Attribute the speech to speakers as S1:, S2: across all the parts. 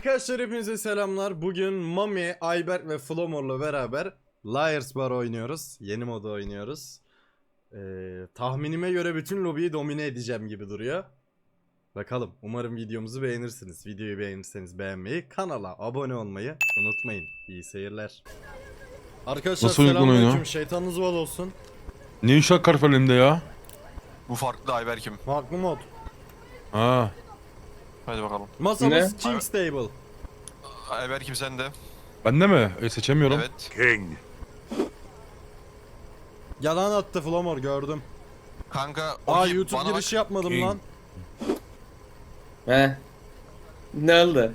S1: Arkadaşlar hepinize selamlar. Bugün Mami, Ayberk ve Flomor'la beraber Liars Bar oynuyoruz. Yeni modu oynuyoruz. Tahminime göre bütün lobiyi domine edeceğim gibi duruyor. Bakalım. Umarım videomuzu beğenirsiniz. Videoyu beğenirseniz beğenmeyi, kanala abone olmayı unutmayın. İyi seyirler. Arkadaşlar selamünaleyküm. Şeytanınız bol olsun.
S2: Ne uşak karf elimde ya?
S3: Bu farklı Ayberk'im.
S1: Farklı mod.
S2: Ha.
S3: Hadi bakalım.
S1: Masamız King's Table.
S3: Ayberk'im sen de.
S2: Bende mi? Seçemiyorum.
S3: Evet.
S4: King.
S1: Yalan attı Flomor, gördüm.
S3: Kanka
S1: YouTube
S3: bana
S1: girişi yapmadım
S2: King.
S1: lan.
S5: He. Ne oldu?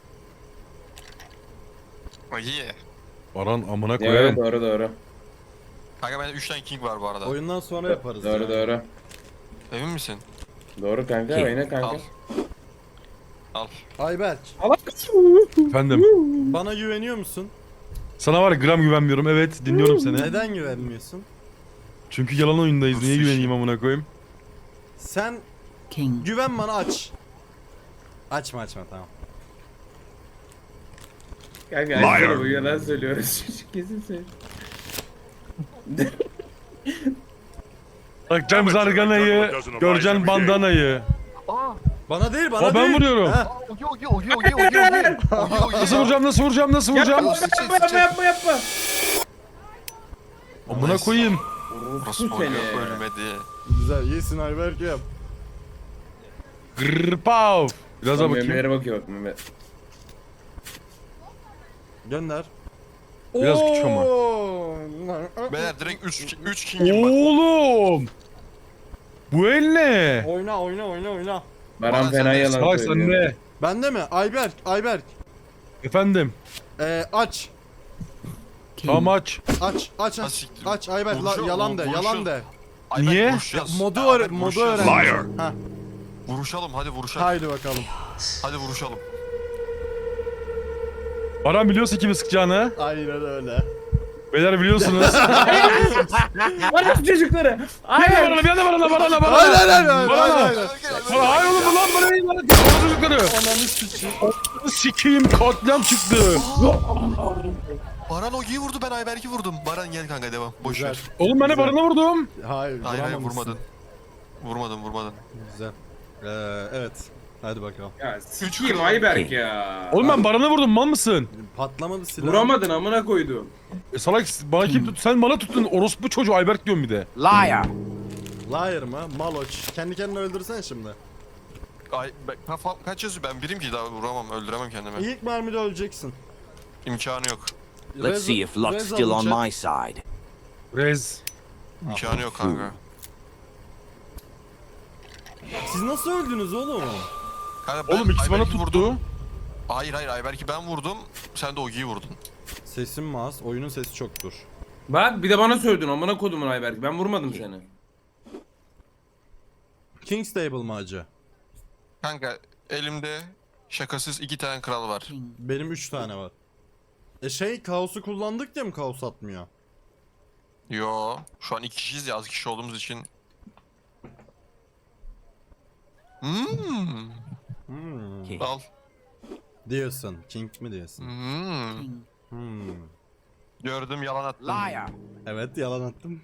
S3: bak. İyi.
S2: Baran amına
S5: Evet
S2: koyarım.
S5: doğru.
S3: Kanka bende 3 tane king var bu arada.
S1: Oyundan sonra yaparız.
S5: Doğru
S1: ya.
S5: doğru.
S3: Emin misin?
S5: Doğru kanka oyna kanka.
S3: Al. Al.
S1: Ayberk,
S2: Efendim.
S1: bana güveniyor musun?
S2: Sana var ya gram güvenmiyorum. Evet dinliyorum seni.
S1: Neden güvenmiyorsun?
S2: Çünkü yalan oyundayız. Niye
S3: Sus
S2: güveneyim amına koyayım?
S1: Sen
S6: King.
S1: güven bana, aç. Açma tamam.
S5: Kanka
S4: Liar.
S5: açsana bu yalan söylüyoruz. Çocuk kesin söylüyor.
S2: Bakacağım zarganayı, göreceksin bandanayı.
S1: Bana değil, bana
S2: O
S1: değil.
S2: ben vuruyorum.
S1: Ha,
S2: Nasıl vuracağım, nasıl vuracağım, nasıl vuracağım?
S5: Yapma.
S2: Amına koyayım.
S3: Burası
S5: Seni.
S3: oluyor ölmedi.
S1: güzel, iyisin Ayberk, yap.
S2: Grrpav. Biraz daha bakayım.
S5: Meme'lere bakıyor bak Meme.
S1: Gönder.
S2: Biraz küçük ama.
S3: Beyler direkt 3 king'im var.
S2: Oğlum. Bu el ne?
S1: Oyna.
S5: Baran
S3: Bana
S5: fena
S3: sen de-
S5: yalan
S2: Salak sen
S5: söylüyor.
S2: ne?
S1: Bende mi? Ayberk.
S2: Efendim.
S1: Aç.
S2: Tamam aç.
S3: Ha, siktir.
S1: Aç Ayberk, yalan de.
S3: Ayberk,
S2: Niye?
S3: vuruşacağız.
S1: Modu
S3: Ayberk,
S1: modu
S3: vuruşacağız.
S1: öğren.
S4: Liar.
S1: Ha,
S3: Vuruşalım hadi vuruşalım.
S1: haydi bakalım.
S3: Hadi vuruşalım.
S2: Baran biliyorsa kimi sıkacağını.
S1: Aynen öyle.
S2: Beyler biliyorsunuz.
S5: Bana çocukları.
S2: Bir yana Baran'a.
S1: Hayır.
S2: Hayır oğlum bu lan bana değil lan. Çocukları.
S1: Ananı sikeyim.
S2: Sikiyim katliam çıktı.
S3: Baran Ogi'yi vurdu, ben Ayberk'i vurdum. Baran gel kanka, devam. Boş
S1: Güzel.
S3: ver.
S2: Oğlum ben de Baran'a vurdum.
S1: Hayır,
S3: Hayır
S1: vuramamışsın.
S3: vurmadın.
S1: Güzel. Evet. Hadi bakalım.
S5: Ya sikiyim Ayberk ya.
S2: Oğlum ben Baran'a vurdum mal mısın?
S1: Patlamadı silah.
S5: Vuramadın amına koydum.
S2: Salak bana kim tut? Sen bana tuttun orospu çocuğu Ayberk diyorum bir de.
S6: Liar.
S1: Liar mı? Maloç. Kendi kendine öldürsen şimdi.
S3: Kaç yazıyor, ben birim ki daha vuramam, öldüremem kendimi.
S1: İlk mermide öleceksin.
S3: İmkanı yok.
S6: Let's see if luck's still on my side.
S2: Rez.
S3: İmkanı yok kanka.
S1: Siz nasıl öldünüz oğlum?
S3: Kanka ben
S2: Oğlum ikisi bana
S3: Ayberk'i
S2: tuttu.
S3: vurdum. Hayır Ayberk'i ben vurdum. Sen de Ogi'yi vurdun.
S1: Sesim mi az? Oyunun sesi çoktur.
S5: Bak bir de bana sövdün amına kodumun Ayberk. Ben vurmadım seni.
S1: King's Table mı acı?
S3: Kanka elimde şakasız 2 tane kral var.
S1: Benim 3 tane var. Kaos'u kullandık diye mi kaos atmıyor?
S3: Yo, şu an 2 kişiyiz ya, az kişi olduğumuz için. Al.
S1: Diyorsun. King mi diyorsun?
S3: Gördüm, yalan attım.
S6: Liar.
S1: Evet, yalan attım.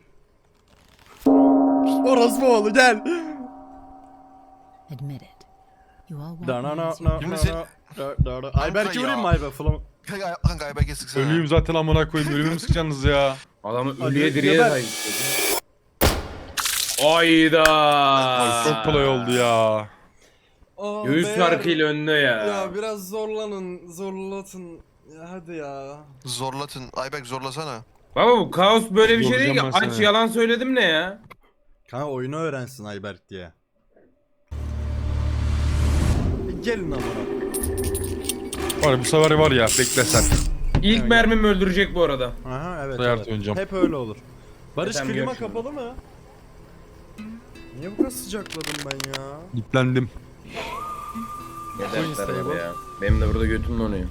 S1: Orası oğlu gel.
S7: Admit it. You all want
S1: Da na
S7: me
S1: na
S7: as your
S1: na
S3: Şimdi
S1: na
S3: sen-
S1: na. Ayberk'i vurayım mı Ayberk?
S3: Kanka Ayberk'e sıksana.
S2: Ölüyüm zaten amına koyayım. Ölümü mü sıkacaksınız ya?
S5: Adamı
S1: Hadi,
S5: ölüye diriye
S1: geber.
S5: sahip. Ayda.
S2: Ay, çok kolay oldu ya.
S5: Göğüs farkıyla önde ya.
S1: Ya biraz zorlatın. Ya hadi ya.
S3: Zorlatın. Ayberk zorlasana.
S5: Baba bu kaos böyle bir şey değil ki.
S2: Yoracağım ben
S5: Aç
S2: seni.
S5: yalan söyledim ne ya?
S1: Kanka oyunu öğrensin Ayberk diye. Gelin amına.
S2: Var bu sefer var ya bekle sen.
S5: İlk mermim öldürecek bu arada.
S1: Aha evet.
S2: Sayar
S1: evet.
S2: oynayacağım.
S1: Hep öyle olur. Barış,
S5: Zaten
S1: klima
S5: yok şimdi.
S1: kapalı mı? Niye bu kadar sıcakladım ben ya?
S2: Yüklendim.
S5: Ne
S1: Queen's
S5: dertler var
S1: Table.
S5: ya. Benim de burada götüm donuyor.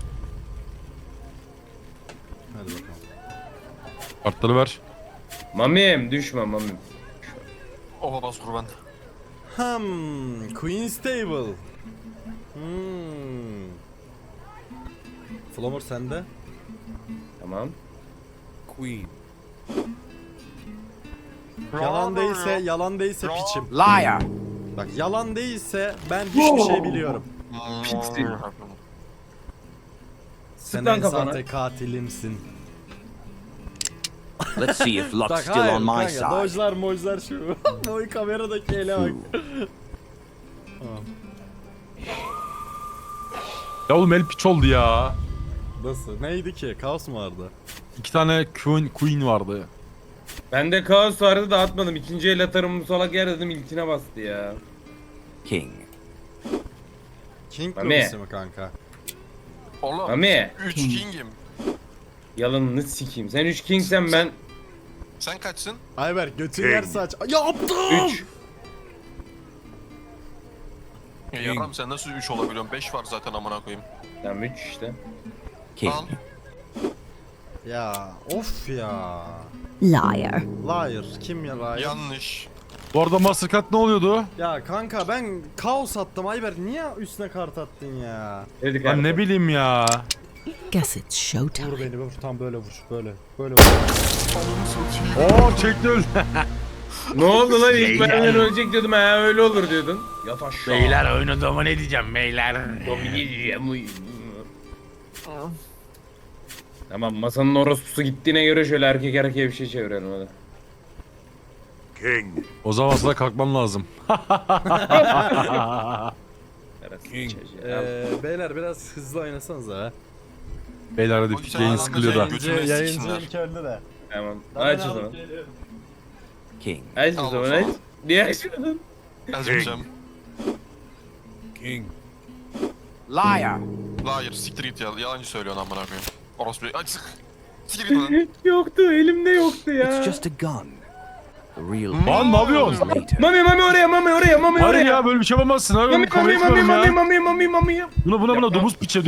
S1: Hadi bakalım.
S2: Kartları ver.
S5: Mamim düşme mamim.
S3: Oha bas kurban.
S1: Queen's Table. Flamor sende.
S5: Tamam.
S1: Yalan değilse piçim.
S6: Liar.
S1: Bak yalan değilse ben hiçbir şey biliyorum.
S5: Pixie.
S1: Sen
S5: lan
S1: en
S5: kafana.
S1: sahte katilimsin.
S6: Let's see if luck's
S1: Bak
S6: still
S1: hayır
S6: on my
S1: kanka.
S6: side.
S1: Dojlar mojlar şu. Boy kameradaki ele bak. Tamam.
S2: Ya oğlum el piç oldu ya.
S1: Nasıl? Neydi ki? Kaos mu vardı?
S2: 2 tane queen vardı.
S5: Bende kaos vardı da atmadım. İkinci el atarım bu salak yer dedim ilkine bastı ya.
S6: King.
S1: King
S5: Mami.
S1: lobisi mi kanka?
S3: Oğlum
S5: Mami
S3: 3 king'im.
S5: yalanını sikeyim. Sen 3 kingsen ben
S3: Sen kaçsın?
S1: Ayberk götün yer saç. Yaptım!
S5: 3.
S3: Yaram sen nasıl 3 olabiliyorsun? 5 var zaten amına koyayım.
S5: Tamam 3 işte.
S6: King.
S3: Al.
S1: Ya of ya.
S4: Liar.
S1: Liar. Kim ya liar?
S3: Yanlış.
S2: Bu arada Mastercard ne oluyordu?
S1: Ya kanka ben kaos attım Ayberk. Niye üstüne kart attın ya?
S5: Dedik
S2: Ben ne bileyim ya.
S4: Guess it's showtime.
S1: Vur beni vur. Tam böyle vur. Böyle. Böyle vur.
S2: Oo çekti öldü.
S5: Ne oldu lan ilk benden ölecek diyordum ha öyle olur diyordun. Yat aşağı.
S2: oyunu domine edeceğim beyler.
S5: Tamam masanın orospusu gittiğine göre şöyle erkek erkeğe bir şey çevirelim hadi.
S2: O zaman aslında kalkmam lazım.
S1: Beyler biraz hızlı oynasanız ha.
S2: Beyler hadi
S3: O güzel
S2: yayın
S3: adam
S2: sıkılıyor da.
S3: güzel. Götüme
S1: Yayıncı
S3: siksinler.
S1: ilk öldü de.
S5: Tamam aç o zaman.
S6: King.
S5: Aç o
S3: Al o
S5: zaman
S3: zaman.
S5: aç. Niye açmadın?
S3: Yazmayacağım.
S6: Liar.
S3: Hayır siktir git ya. Yalancı söylüyorsun amına koyayım. Orospu. Ay sık. Siktir git lan.
S5: Yoktu elimde yoktu ya.
S6: It's just a gun. The real
S2: Lan ne yapıyorsun?
S6: later.
S5: Mami oraya mami
S2: Hayır
S5: oraya.
S2: ya böyle bir şey yapamazsın abi.
S5: Mami
S2: Ben kabul etmiyorum ya.
S5: mami.
S2: Buna domuz piçe.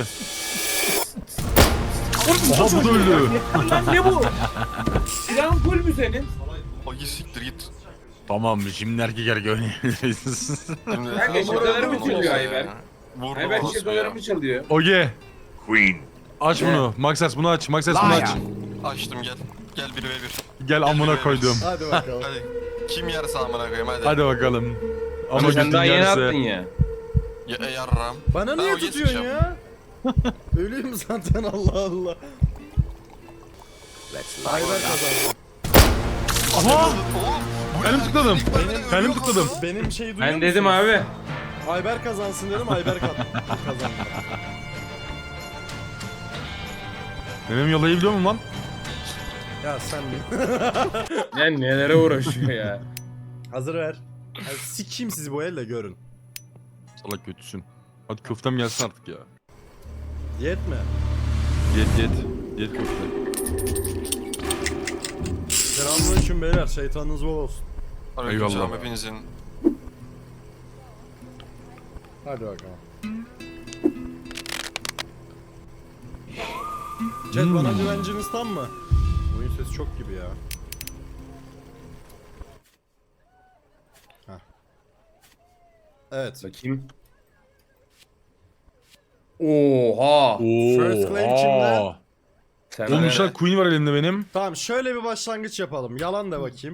S2: Aha bu da öldü.
S5: Lan ne bu? Silahın full mü senin?
S3: Ay siktir git.
S2: Tamam şimdi erkek oynayabiliriz.
S3: Şimdi
S5: Kanka şakalarımı çalıyor Ayberk.
S3: Vurdu
S5: Ayberk
S3: orospu ya.
S5: şakalarımı çalıyor.
S2: Oge. Aç bunu. Maxes bunu aç. Maxes bunu aç.
S3: Açtım gel. Gel 1v1.
S2: Gel amına koydum.
S1: Hadi bakalım.
S3: Hadi. Kim yerse amına koyayım hadi.
S2: Hadi bakalım. Ama
S5: Ama sen
S2: götün
S5: daha yeni attın
S2: yerse.
S5: ya.
S3: Yarram.
S1: Bana
S3: Ben
S1: niye
S3: o
S1: tutuyorsun
S3: geçeceğim.
S1: ya? Ölüyüm zaten Allah Allah.
S6: Let's
S1: Ayberk
S6: light it up.
S1: kazandı.
S2: Aha! Elim tıkladım. Elim tıkladım.
S1: Benim şeyi duyuyor
S5: Ben dedim
S1: musunuz?
S5: abi.
S1: Ayberk kazansın dedim Ayberk kazandı.
S2: Benim yalayabiliyor muyum lan?
S1: Ya sen
S5: Ya nelere uğraşıyor ya.
S1: hazır ver. Ay, sikeyim sizi bu elle görün.
S2: Salak kötüsün. Hadi köftem gelsin artık ya.
S1: Diyet mi?
S2: Yet. Yet köfte.
S1: Selamünaleyküm beyler şeytanınız bol olsun.
S3: Aleykümselam
S2: Eyvallah.
S3: hepinizin.
S1: Hadi bakalım. Chat bana güvenciniz tam mı? Oyun sesi çok gibi ya. Heh. Evet.
S5: Bakayım. Oha.
S1: First claim kimde?
S5: Sen
S2: Oğlum
S5: de-
S2: inşallah queen var elimde benim.
S1: Tamam şöyle bir başlangıç yapalım. Yalan da bakayım.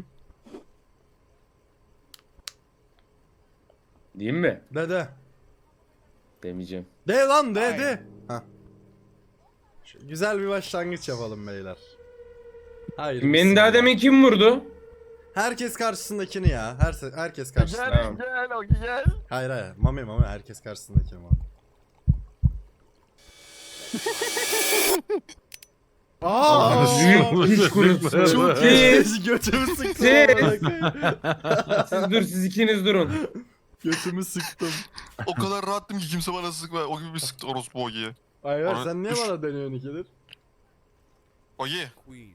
S5: Diyeyim mi?
S1: De.
S5: Demeyeceğim.
S1: De lan de. Heh. Güzel bir başlangıç yapalım beyler. Hayır.
S5: Beni daha demin kim vurdu?
S1: Herkes karşısındakini ya. Herkes karşısında.
S5: Tamam.
S3: Gel o gel.
S1: Hayır. Mami herkes karşısındakini var.
S5: Büyük kuş kurusu.
S1: Çok iyi. Götümü sıktım.
S5: Siz ikiniz durun.
S1: Götümü sıktım.
S3: O kadar rahattım ki kimse bana sıkma. O gibi bir sıktı orospu Ogi'ye.
S1: Hayır
S3: Ona-
S1: sen niye
S3: Üç.
S1: bana deniyorsun ikidir?
S3: Ogi.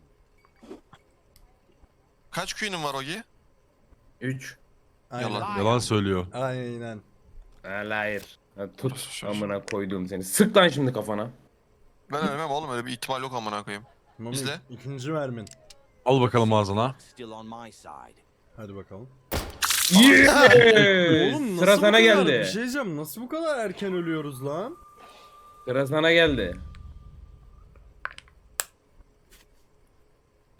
S3: Kaç queen'in var Ogi?
S5: 3.
S1: Aynen.
S3: Yalan.
S2: Yalan söylüyor.
S1: Aynen.
S5: Hayır. Ha, tut amına koyduğum seni. Sık lan şimdi kafana.
S3: Ben ölmem oğlum öyle bir ihtimal yok amına koyayım.
S1: Mami
S3: İzle.
S1: ikinci mermin.
S2: Al bakalım ağzına.
S6: Still on my side.
S1: Hadi bakalım.
S5: Yeah!
S1: Oğlum
S5: Sıra
S1: nasıl bu
S5: sana
S1: kadar,
S5: geldi.
S1: bir şey diyeceğim nasıl bu kadar erken ölüyoruz lan?
S5: Sıra sana geldi.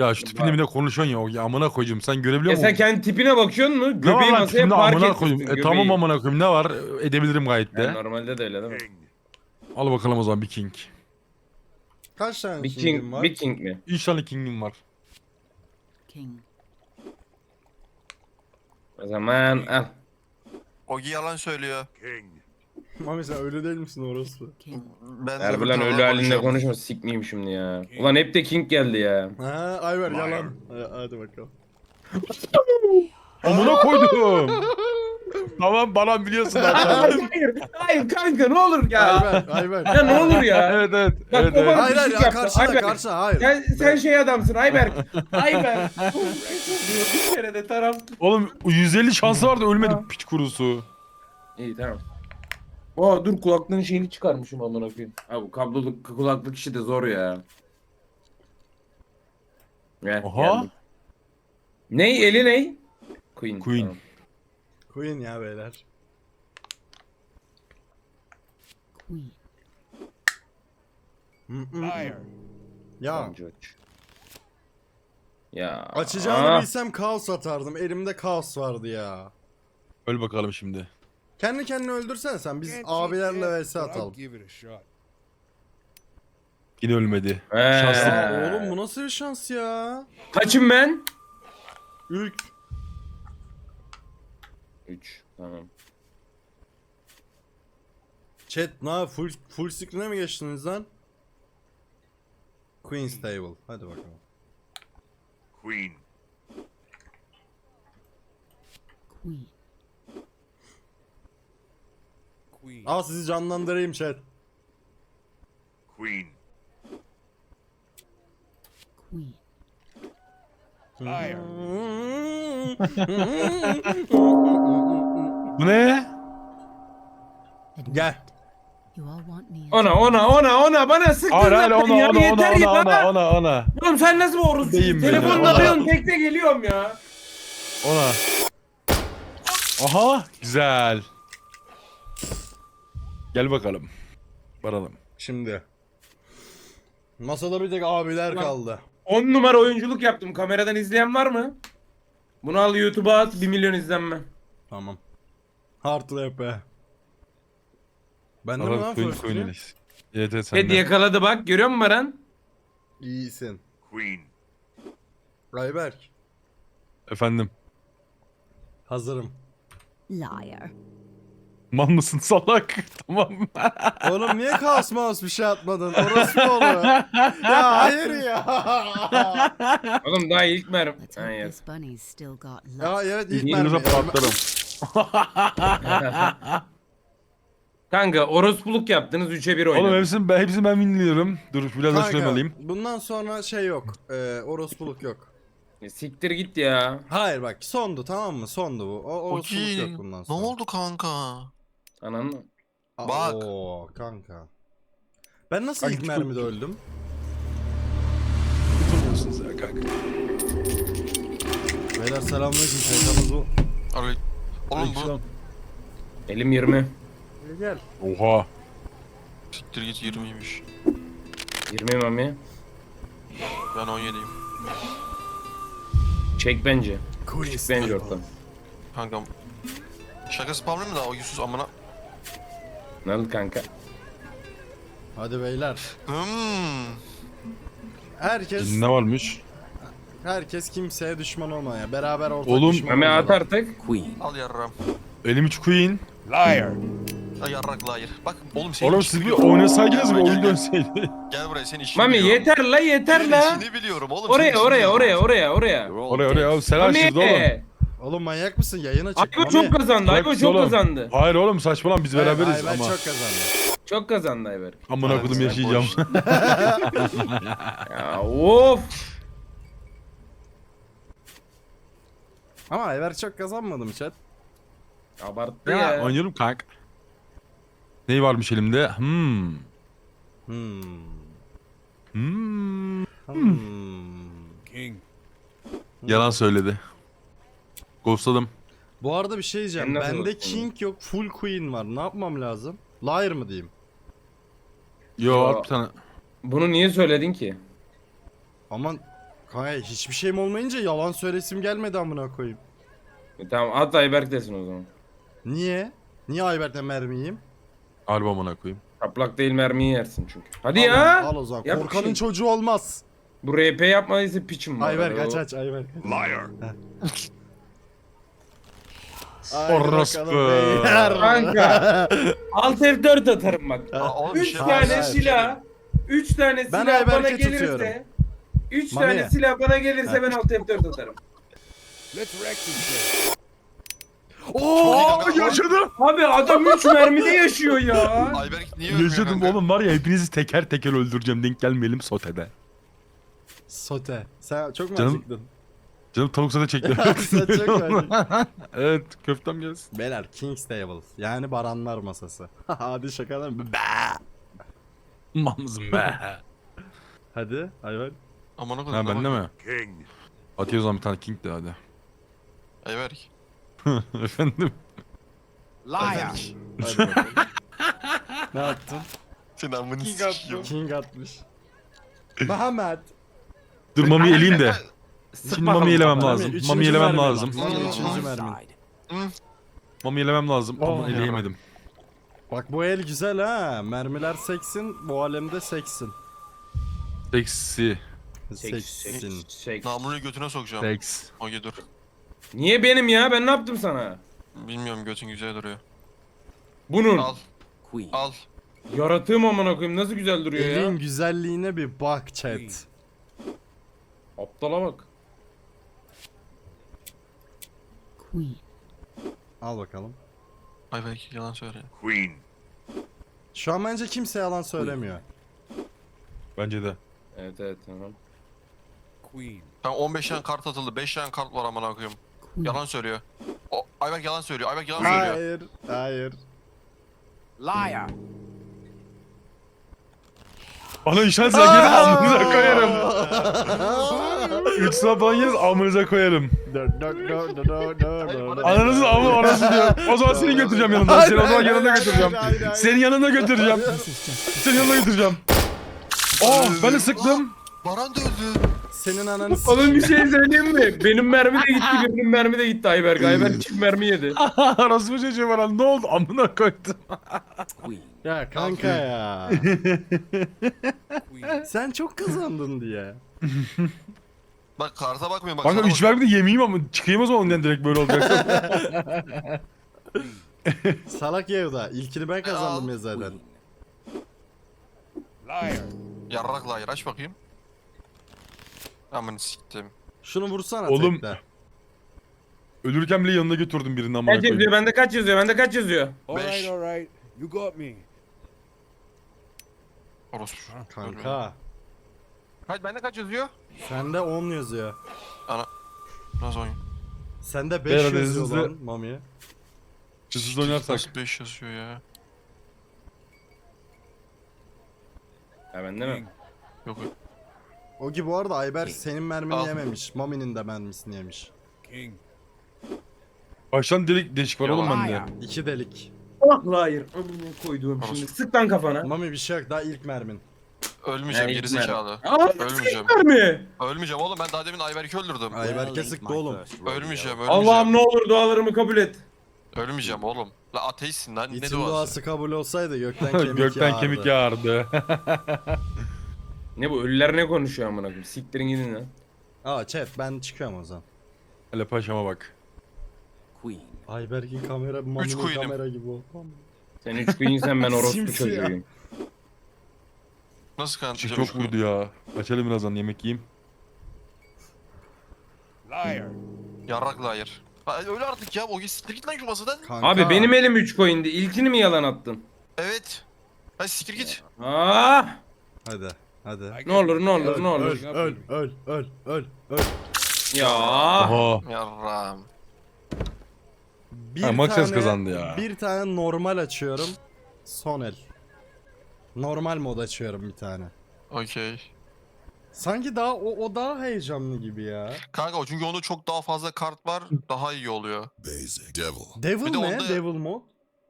S2: Ya şu tipinle bile konuşuyorsun ya. Ya amına koyayım. Sen görebiliyor
S5: Ya
S2: musun?
S5: sen kendi tipine bakıyorsun mu?
S2: Ne var
S5: Göbeği
S2: lan
S5: masaya
S2: tipimde
S5: park
S2: amına
S5: etmişsin.
S2: koyayım. Tamam amına koyayım. Ne var? Edebilirim gayet de.
S5: Yani normalde de öyle değil mi?
S2: Al bakalım o zaman bir king.
S1: Kaç tane
S5: Bir
S1: king'in
S5: king,
S1: var?
S5: bir king mi?
S2: 3 tane king'im var.
S4: King.
S5: O zaman al.
S3: Ogi yalan söylüyor.
S1: Mami sen öyle değil misin orospu?
S4: King.
S3: Ben de
S5: Harbi
S3: öbür
S5: lan
S3: taraftan
S5: öyle halinde
S3: konuşuyorum.
S5: konuşma sikmeyeyim şimdi ya. Ulan hep de king geldi ya.
S1: Ha Ayber yalan. Hadi bakalım.
S2: Amına koydum. Tamam bana biliyorsun zaten.
S5: Hayır kanka ne olur ya.
S1: Ayber.
S5: Ya ne olur ya.
S2: Evet evet.
S5: Bak,
S2: Evet,
S5: o bana-
S2: evet.
S1: Hayır hayır
S5: Pislik yaptı.
S1: karşına
S5: Ayber.
S1: karşına hayır.
S5: Sen şey adamsın Ayberk. Ayberk. Bir kere de taraf.
S2: Oğlum 150 şansı vardı ölmedi piç kurusu.
S5: İyi tamam. Aa dur kulaklığın şeyini çıkarmışım amına koyayım. Ha bu kabloluk kulaklık işi de zor ya. Gel,
S2: Aha.
S5: geldim. Ney eli ney? Queen.
S2: Queen.
S5: Tamam.
S1: Queen ya beyler.
S4: Queen.
S1: Ya
S5: Tamam, George. Ya.
S1: açacağını bilsem kaos atardım. Elimde kaos vardı ya.
S2: Öl bakalım şimdi.
S1: Kendi kendini öldürsen sen biz abilerle vs atalım.
S2: Yine ölmedi.
S5: Şanslı.
S1: Ya oğlum bu nasıl bir şans ya?
S5: Kaçım ben?
S1: Ülk.
S5: 3. Tamam.
S1: Chat ne full screen'e mi geçtiniz lan? Queen's Table. Hadi bakalım.
S4: Queen.
S1: Al sizi canlandırayım chat.
S4: Queen.
S2: Bu ne?
S1: Gel.
S4: You all want me.
S5: Ona bana sıktın
S2: Hayır hayır
S5: zaten
S2: ona
S5: ya,
S2: ona
S5: yeter ya.
S2: ona.
S5: Oğlum sen nasıl bir orospu?
S2: Deyim beni,
S5: Telefonla
S2: ona.
S5: arıyorsun tekte geliyorum ya.
S2: Ona. Aha güzel. Gel bakalım. Varalım.
S1: Şimdi. Masada bir tek abiler
S5: Ulan.
S1: kaldı.
S5: 10 numara oyunculuk yaptım. Kameradan izleyen var mı? Bunu al YouTube'a at 1 milyon izlenme.
S1: Tamam. Hard rap. Ben de mi
S2: Ara
S1: lan
S2: Queen
S1: first
S2: Queen
S1: three?
S2: Elis. Evet evet
S5: Ted
S2: sende.
S5: yakaladı bak görüyor musun Baran?
S1: İyisin.
S4: Queen.
S1: Ayberk.
S2: Efendim.
S1: Hazırım.
S4: Liar.
S2: Mal mısın salak? Tamam.
S1: Oğlum niye kaos mouse bir şey atmadın? Orası mı oluyor? Ya hayır ya.
S5: Oğlum daha ilk mermi.
S4: Let's
S5: Ha,
S4: hope
S5: yok.
S4: this bunny's still got luck.
S1: Ya evet ilk
S2: İngilizce
S1: mermi.
S2: patlarım.
S5: Kanka orospuluk yaptınız 3'e 1
S2: Oğlum
S5: oynadınız.
S2: hepsini ben winliyorum. Dur biraz da şuraya
S1: Kanka,
S2: alayım.
S1: bundan sonra şey yok. Orospuluk yok.
S5: Siktir git ya.
S1: Hayır bak sondu tamam mı? Sondu bu. Orospuluk
S3: Ogi
S1: yok bundan
S3: ne
S1: sonra.
S3: oldu kanka?
S5: Ananı.
S3: Bak.
S1: Oo kanka. Ben nasıl
S2: Kanka,
S1: ilk
S2: çok-
S1: mermide öldüm?
S2: Tutamıyorsun sen kanka.
S1: Beyler selamünaleyküm şeytanız bu.
S3: Oğlum bu
S2: Aleykümselam.
S5: Elim 20.
S1: Gel.
S2: Oha.
S3: siktir git 20'ymiş.
S5: 20 mami.
S3: Ben 17'yim.
S5: Çek bence. Çek bence ortadan.
S3: Kankam. Şaka spamlı mı da o yüzsüz amına?
S5: Ne oldu kanka?
S1: Hadi beyler. Herkes
S2: Ne varmış?
S1: kimseye düşman olmaya. Beraber ortak
S2: Oğlum,
S1: düşman
S5: Mami
S1: olmalı.
S5: at artık.
S6: Queen.
S3: Al yarram.
S2: Elim 3 queen.
S3: Al yarrak layır. Bak oğlum senin
S2: Oğlum
S3: işini
S2: siz bir
S3: biliyorum.
S2: oynasaydınız
S3: Gel
S2: bir
S3: buraya,
S2: oyun
S3: gel.
S2: dönseydi.
S3: Gel buraya senin işini
S5: Mami
S3: biliyorum.
S5: yeter la yeter
S3: Senin
S5: la.
S3: işini biliyorum oğlum. senin işini
S5: Oraya
S3: biliyorum.
S5: oraya.
S6: You're all
S2: Oraya
S6: dead.
S2: oğlum selam şurada oğlum.
S5: Mami.
S1: Oğlum manyak mısın? Yayına çık.
S5: Ayko çok kazandı. Ayko
S2: Bırak
S5: çok
S2: oğlum.
S5: kazandı.
S2: Hayır oğlum saçmalama biz beraberiz
S1: Ben
S2: ama.
S1: çok kazandım.
S5: Çok kazandı Ayberk.
S2: Amına
S1: Evet,
S2: kodum
S1: sen
S2: yaşayacağım.
S5: Ya of.
S1: Ama Ayber çok kazanmadım chat.
S5: Abarttı
S2: Ya
S5: ya.
S2: oynuyorum kanka. Ney varmış elimde?
S1: Hmm.
S2: Hmm.
S1: Hmm.
S2: Yalan söyledi. Ghostladım.
S1: Bu arada bir şey diyeceğim.
S5: Sen nasıl
S1: Bende
S5: bakıyorsun?
S1: king yok, full queen var. Ne yapmam lazım? Liar mı diyeyim?
S2: Yo
S5: Yo.
S2: at bir tane.
S5: Bunu niye söyledin ki?
S1: Aman Kanka hiçbir şeyim olmayınca yalan söylesim gelmedi amına koyayım.
S5: Tamam at Ayberk desin o zaman.
S1: Niye? Niye Ayberk'ten mermi yiyeyim?
S2: Harbi amına koyayım.
S5: Çaplak değil mermiyi yersin çünkü. Hadi
S1: Al,
S5: ya.
S1: al o zaman.
S5: Yap bir
S1: Korkanın
S5: şey.
S1: çocuğu olmaz.
S5: Bu RP yapmadıysa piçim var.
S1: Ayberk
S5: O-
S1: aç Ayberk.
S7: Liar.
S2: Orospu.
S5: Kanka. Alt F4 atarım bak.
S3: Aa, oğlum, bir
S5: 3
S3: şey
S5: tane
S3: var.
S1: hayır.
S5: silah. 3 tane
S1: Ben
S5: silah bana
S1: Ayberk'e
S5: gelirse.
S1: tutuyorum.
S5: 3
S1: Mami.
S5: tane silah bana gelirse ben alt F4 atarım.
S7: Let's wreck this shit.
S2: Oo yaşadım.
S5: Abi adam 3 mermide yaşıyor ya.
S3: Ayberk niye ölmüyor
S2: Yaşadım
S3: kanka?
S2: oğlum var ya hepinizi teker teker öldüreceğim denk gelmeyelim sotede.
S1: Sote. Sen çok mu
S2: Canım-
S1: acıktın?
S2: Canım tavuk sote çekti.
S1: Sen çok mu acıktın?
S2: Evet köftem gelsin.
S1: Beyler King's Table. Yani baranlar masası. Hadi şakadan mı?
S2: Mamzım be.
S1: Hadi Ayberk.
S3: Amına
S2: Ha
S3: koydum.
S2: bende mi?
S7: King.
S2: Atıyoruz zaman bir tane king de hadi.
S3: Ayberk.
S2: Efendim.
S6: Liar.
S3: Ayberk.
S1: Hadi bakalım. Ne yaptın?
S3: Senin amını sikiyim.
S1: King atmış. Mehmet.
S2: Dur mami eleyeyim de.
S5: Sık
S2: Şimdi
S5: bakalım
S2: mami elemem
S5: kafana.
S2: lazım.
S1: Üçüncü
S2: Mami elemem
S1: mermi
S2: lazım.
S1: lan.
S6: On
S1: Üçüncü
S6: my
S1: mermi.
S6: side.
S2: Mami elemem lazım ama
S1: Oh.
S2: eleyemedim.
S1: Bak bu el güzel ha. Mermiler seksin. Bu alemde seksin.
S2: Seksi.
S1: Seksin.
S3: Namluyu götüne sokacağım.
S2: Seks.
S3: Oge dur.
S5: Niye benim ya? Ben ne yaptım sana?
S3: Bilmiyorum, götün güzel duruyor.
S5: Bunun.
S3: Al
S6: Queen.
S3: al.
S5: Yaratığım amına koyayım nasıl güzel duruyor ya.
S1: Elin güzelliğine bir bak chat.
S5: Aptala bak.
S4: Queen.
S1: Al bakalım.
S3: Ayberk yalan söyle.
S7: Queen.
S1: Şu an bence kimse yalan söylemiyor.
S2: Bence de.
S5: Evet evet tamam.
S7: Queen.
S3: Ben 15 tane kart atıldı. 5 tane kart var amına koyayım.
S4: Queen.
S3: Yalan söylüyor. O Ayberk yalan söylüyor. Ayberk yalan söylüyor.
S1: Hayır. Hayır.
S6: Liar.
S2: Bana işaret gelin amınıza koyarım. 3 sabah yeriz amınıza koyarım. Ananızın amı orası diyor. O zaman seni götüreceğim yanımda. Seni o zaman yanına götüreceğim. Senin yanına götüreceğim. Senin yanına götüreceğim. Oh ben de sıktım.
S3: Baran da öldü.
S1: Senin ananı
S5: Oğlum bir şey söyleyeyim mi? Benim mermi de gitti, birinin mermi de gitti Ayberk. Ayberk çift mermi yedi.
S2: Arası bir şey var lan ne oldu amına koydum.
S6: Queen.
S1: Ya kanka ya.
S7: Queen.
S1: Sen çok kazandın diye.
S3: Bak karta bakmıyor bak.
S2: Kanka
S3: sana
S2: 3
S3: bakıyor.
S2: vermemi de yemeyeyim ama çıkayım o zaman ondan direkt böyle olacak.
S1: Salak Yevda. İlkini ben kazandım
S3: Al.
S1: ya zaten.
S6: Queen.
S7: Liar.
S3: Yarrak layır aç bakayım. Amını siktim.
S1: Şunu vursana
S2: Oğlum,
S1: tekte.
S2: Ölürken bile yanına götürdüm birini amına
S5: Kaç yazıyor?
S2: koyayım.
S5: Bende kaç yazıyor? Bende kaç yazıyor?
S3: Beş.
S7: All right. You got me.
S3: Orospu.
S1: Kanka.
S3: Kaç bende kaç yazıyor?
S1: Sende 10 yazıyor.
S3: Nasıl oyun?
S1: Sende 5
S2: Beyler,
S1: yazıyor
S2: hızlı-
S1: lan Mami.
S2: Hızsız oynarsak.
S3: Nasıl 5 yazıyor ya?
S5: Ha bende mi?
S3: Yok.
S1: O gibi bu arada Ayber senin mermini
S3: Al.
S1: yememiş. Mami'nin de mermisini yemiş.
S7: King.
S2: Baştan delik deşik var oğlum bende.
S6: Liar.
S1: 2 delik.
S5: Ah hayır. Amına koyduğum şimdi. Sık lan kafana.
S1: Mami bir şey yok daha ilk mermin.
S3: Ölmeyeceğim
S5: Yani
S3: gerizekalı.
S5: Aa,
S3: Ölmeyeceğim.
S5: mermi.
S3: Ölmeyeceğim oğlum, ben daha demin Ayberk'i öldürdüm.
S1: Ayberk'e
S6: Well,
S1: sıktı
S6: ain't my
S1: oğlum.
S6: first rodeo.
S3: Ölmeyeceğim,
S5: Allah'ım
S3: ölmeyeceğim.
S5: ne olur dualarımı kabul et.
S3: Ölmeyeceğim oğlum. La ateistsin lan, ne
S1: İtin
S3: duası?
S1: duası kabul olsaydı gökten kemik
S2: Gökten kemik yağardı.
S5: Ne bu ölüler ne konuşuyor amına koyayım? Siktirin gidin lan.
S1: Aa chat ben çıkıyorum o zaman.
S2: Hele paşama bak.
S6: Queen.
S1: Ayberk'in kamera Mami'nin
S3: queen'im.
S1: kamera gibi oldu.
S5: Sen 3 queen'sen ben orospu
S1: Simsiyah.
S5: çocuğuyum.
S3: Nasıl
S2: Işık
S3: kanıtlayacağım?
S2: çok vurdu ya. Açalım birazdan yemek yiyeyim.
S7: Liar.
S3: Yarrak layır. Ha, öyle artık ya, o siktir git lan şu masadan.
S1: Kanka.
S5: Abi benim elim 3 coin'di. İlkini mi yalan attın?
S3: Evet. Hadi siktir git.
S5: Aa!
S1: Hadi. Hadi.
S7: I
S5: Ne olur ne
S7: got
S5: olur ne olur.
S1: Öl.
S5: Ya.
S2: Oha.
S3: Yarram.
S1: Bir
S2: Ha, Maxes kazandı ya.
S1: Bir tane normal açıyorum. Son el. Normal mod açıyorum bir tane.
S3: Okey.
S1: Sanki daha o daha heyecanlı gibi ya.
S3: Kanka o çünkü onda çok daha fazla kart var, daha iyi oluyor.
S7: Basic. Devil.
S1: Devil
S3: Bir de
S1: ne?
S3: onda-
S1: Devil mod.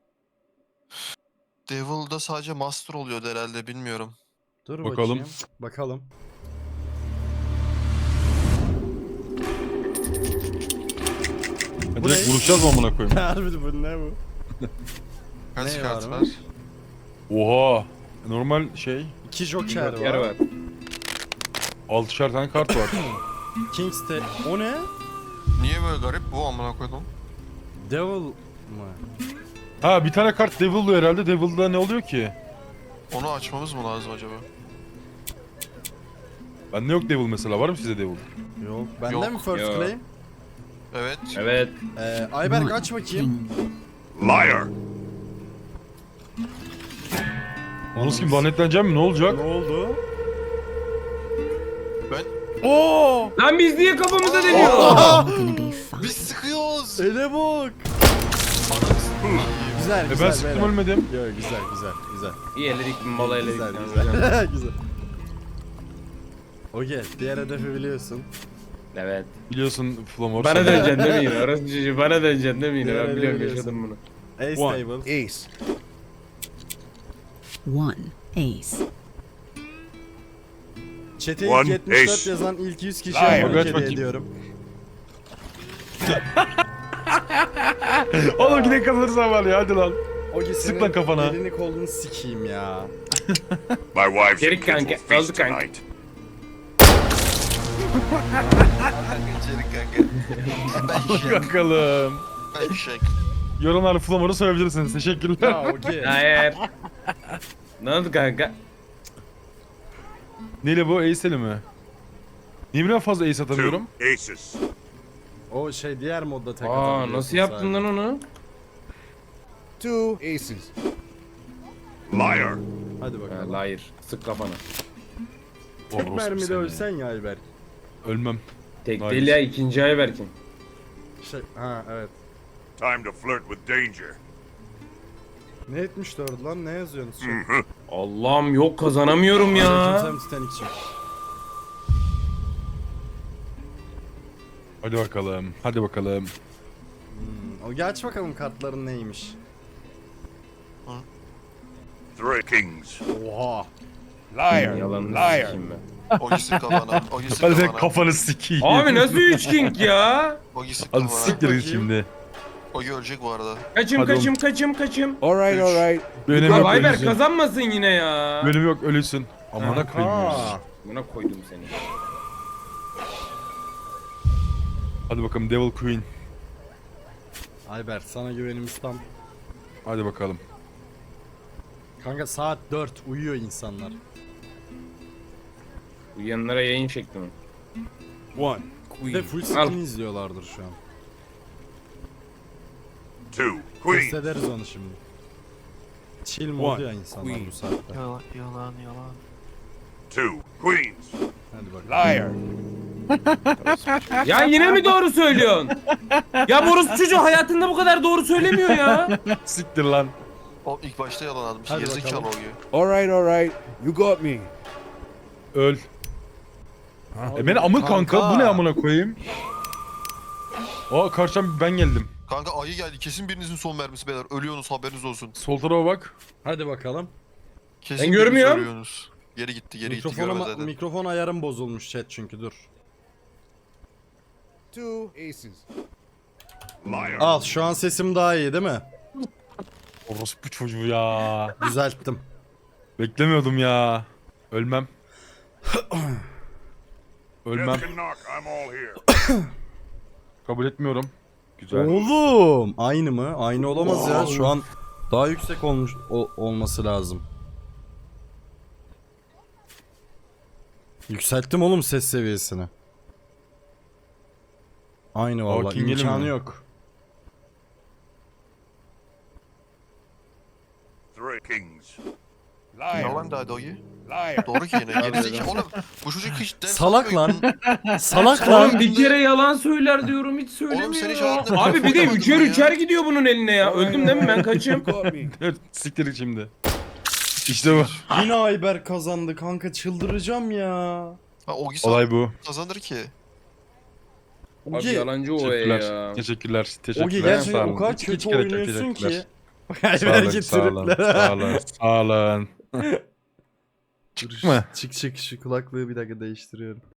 S3: Devil'da sadece master oluyordu herhalde, bilmiyorum.
S1: Dur
S2: Bakalım.
S1: bakayım. Bakalım. Bu
S2: Direkt
S1: ne?
S2: vuruşacağız mı amına koyayım?
S1: Harbi bu ne bu?
S3: Kaç
S1: Ne
S3: kart
S1: var
S3: var?
S1: mı?
S2: Oha. Normal şey.
S1: 2 joker
S5: Yer
S1: var.
S5: var.
S2: 6'şer tane kart var.
S1: King's de... O ne?
S3: Niye böyle garip bu amına koydum?
S1: Devil mı?
S2: Ha bir tane kart Devil'lu herhalde. Devil'da ne oluyor ki?
S3: Onu açmamız mı lazım acaba?
S2: Bende yok Devil mesela. Var mı size Devil?
S1: Yok. Bende
S3: Yok.
S1: mi first
S5: Yok.
S1: claim?
S3: Evet.
S5: Evet.
S1: Ayberk aç bakayım.
S7: Liar.
S2: Onun kim lanetleneceğim mi? Ne olacak?
S1: Ne oldu?
S2: Oo!
S5: Lan biz niye kafamıza deniyor?
S4: All gonna be fine.
S3: Biz sıkıyoruz.
S1: Ele bak. Güzel güzel.
S2: Ben sıktım
S1: beyler.
S2: ölmedim.
S1: Yok güzel güzel güzel.
S5: İyi eledik mola eledik.
S1: Güzel
S5: Yani
S1: güzel.
S5: hocam.
S1: güzel. Okey. Diğer hedefi biliyorsun.
S5: Evet.
S2: Biliyorsun Flamor.
S5: Bana döneceksin değil mi yine? Orası çocuğu bana döneceksin değil mi yine?
S1: Diğer
S5: Ben biliyorum
S1: biliyorsun.
S5: yaşadım bunu.
S1: Ace
S2: One.
S1: table.
S7: Ace.
S4: One ace.
S1: Chat'e
S7: One
S1: ilk 74
S7: ace.
S1: yazan ilk 100 kişiye
S2: Liar.
S1: abonelik
S2: Kaç
S1: hediye
S2: bakayım.
S1: ediyorum.
S2: Oğlum yine kazanırsan var ya hadi lan.
S1: Ogi
S2: Sık
S1: senin
S2: lan kafana.
S1: elini kolunu sikeyim ya.
S7: My wives
S5: Geri
S7: and kids
S5: kanka,
S7: will feast
S5: kaldı kanka.
S7: tonight.
S2: Bakalım.
S3: Ben şek.
S2: Yorumlarda Flamor'u söyleyebilirsiniz. Teşekkürler.
S1: Ya okey.
S5: Hayır. Ne oldu kanka?
S2: Neyle bu? Ace'li mi? Niye birden fazla Ace atamıyorum?
S7: Two aces.
S1: O şey diğer modda tek
S5: Aa
S1: atabiliyorsun
S5: nasıl yaptın
S1: sadece.
S5: lan onu?
S7: Two aces. Liar.
S1: Hadi
S5: Ha,
S1: bakalım.
S5: hayır. Sık kafana.
S1: Tek
S2: Orospu
S1: mermide
S2: seni.
S1: ölsen ya Ayberk.
S2: Ölmem.
S5: Tek
S2: Hayır.
S5: değil ya ikinci ay Berkin.
S1: Ha evet.
S7: Time to flirt with danger.
S1: Ne 74 lan ne yazıyorsunuz?
S5: Allah'ım yok kazanamıyorum ya.
S1: Aleykümselam Titanic'cim.
S2: Hadi bakalım. Hadi bakalım.
S1: O geç bakalım kartların neymiş.
S7: Three kings.
S1: Oha.
S7: Liar.
S5: Yalanını
S7: Liar.
S5: sikeyim ben.
S3: Ogi sık kafana. Ogi sık
S2: Hadi sen
S3: kafana.
S2: kafanı sikeyim.
S5: Abi nasıl 3 king ya?
S3: Ogi sık
S2: Hadi
S3: kafana.
S2: siktir git
S1: bakayım.
S2: şimdi.
S3: Ogi ölecek bu arada.
S5: Kaçım
S2: Hadi
S5: kaçım kaçım kaçım.
S7: All right, all right.
S2: Bir önemi
S5: Abi
S2: yok
S5: Ayber
S2: ölüsün.
S5: kazanmasın yine ya.
S2: Bölüm yok ölüsün. Amına koyayım.
S1: Aa.
S5: Buna koydum seni.
S2: Hadi bakalım Devil Queen.
S1: Ayberk sana güvenimiz tam.
S2: Hadi bakalım.
S1: Kanka saat 4 uyuyor insanlar.
S5: Uyuyanlara yayın şekli mi?
S7: One
S1: Bir de
S7: queen.
S1: full screen izliyorlardır şu an.
S7: Two
S1: Test
S7: queens.
S1: ederiz onu şimdi. Chill modu ya insanlar
S7: Queen.
S1: bu saatte.
S3: Yalan yalan yalan.
S7: Two queens.
S1: Hadi bakalım.
S7: Liar.
S5: Ya yine mi doğru söylüyorsun? Ya Boris çocuğu hayatında bu kadar doğru söylemiyor ya.
S2: Siktir lan.
S3: O ilk başta yalan atmış.
S1: Hadi
S3: Gerizekalı
S1: bakalım.
S3: Ogi.
S7: All right. You got me.
S2: Öl. Beni amı kanka. Bu ne amına koyayım? Aa karşıdan ben geldim.
S3: Kanka ayı geldi. Kesin birinizin son mermisi beyler. Ölüyorsunuz haberiniz olsun.
S2: Sol tarafa bak.
S1: Hadi bakalım.
S3: Kesin
S5: Ben
S3: biriniz
S5: görmüyorum.
S3: ölüyorsunuz. Geri gitti görmez zaten.
S1: Mikrofon ayarım bozulmuş chat çünkü dur.
S7: Two aces. Liar.
S1: Al şu an sesim daha iyi değil mi?
S2: Orospu çocuğu ya.
S1: Düzelttim.
S2: Beklemiyordum ya. Ölmem. Ölmem.
S7: Death can knock. I'm all here.
S2: Kabul etmiyorum. Güzel.
S1: Oğlum aynı mı? Aynı olamaz ya. Şu an daha yüksek olmuş olması lazım. Yükselttim oğlum ses seviyesini. Aynı vallahi
S2: King gelin
S1: imkanı
S2: mi?
S1: yok.
S7: Three kings.
S3: Yalan da Ogi.
S7: Liar.
S3: Doğru ki yine. Gerizekalı. Oğlum bu çocuk hiç ders
S1: Salak lan.
S3: almıyor.
S1: Salak
S5: Oğlum
S1: lan.
S5: bir kere yalan söyler diyorum hiç
S3: Oğlum sen hiç
S5: söylemiyor.
S3: hayatında
S5: Abi bir de
S3: yapamadın
S5: üçer
S3: mı ya?
S5: üçer gidiyor bunun eline ya. Öldüm değil mi ben kaçayım?
S7: You got me.
S2: Evet siktir şimdi. İşte bu.
S1: Yine Ayber kazandı kanka çıldıracağım ya.
S3: Ha, Ogi
S2: Olay bu.
S3: kazanır ki.
S5: Abi
S1: Ogi,
S5: yalancı o
S2: Teşekkürler.
S5: ya.
S2: Teşekkürler. Teşekkürler.
S1: Ogi
S2: Sağ
S1: gerçekten
S2: olun.
S1: o kadar
S2: İki
S1: kötü
S2: kere
S1: oynuyorsun ki.
S2: teşekkürler.
S1: Ayber'ki
S2: Sağ olun.
S1: triplere.
S2: Sağ olun. Sağ olun. Çıkma.
S1: Çık şu kulaklığı bir dakika değiştiriyorum.